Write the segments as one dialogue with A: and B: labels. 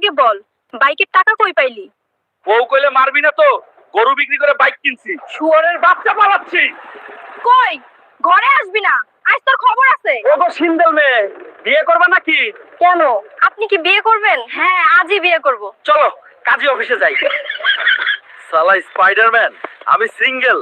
A: আগে বল, বাইকের টাকা কই পাইলি?
B: বউ কইলে মারবি না তো, গরু বিক্রি করে বাইক কিনছি। শুয়োরের বাচ্চা পালাচ্ছি।
A: কই, ঘরে আসবি না, আজ তোর খবর আছে।
B: ওগো সিন্দেল মেয়ে, বিয়ে করবে নাকি?
A: কেন, আপনি কি বিয়ে করবেন? হ্যাঁ, আজই বিয়ে করব।
B: চলো কাজী অফিসে যাই। সালা স্পাইডারম্যান, আমি সিঙ্গেল।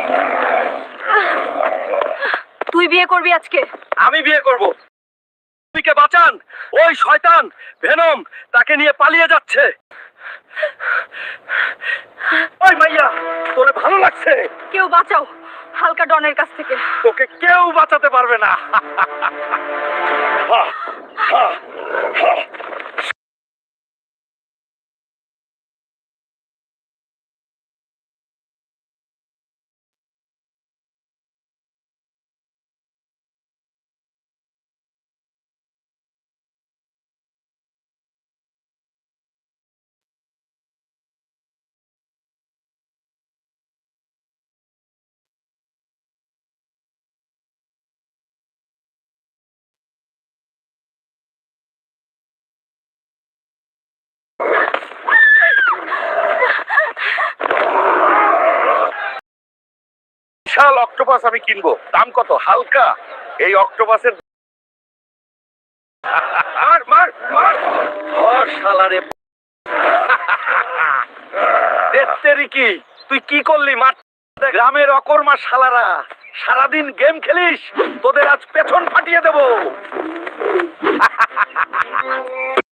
A: তুই বিয়ে করবি আজকে?
B: আমি বিয়ে করব। তুইকে বাঁচান, ওই শয়তান ভেনম তাকে নিয়ে পালিয়ে যাচ্ছে। ওই মাইয়া, তোরে ভালো লাগছে?
A: কেউ বাঁচাও হালকা ডনের কাছ থেকে।
B: তোকে কেউ বাঁচাতে পারবে না। বিশাল অক্টোপাস আমি কিনবো। দাম কত? হালকা। এই অক্টোপাসের মার মার মার। ধর শালারে। তেরি কি তুই কি করলি? মার। গ্রামের অকর্মা শালারা সারাদিন গেম খেলিস, তোদের আজ পেছন ফাটিয়ে দেবো।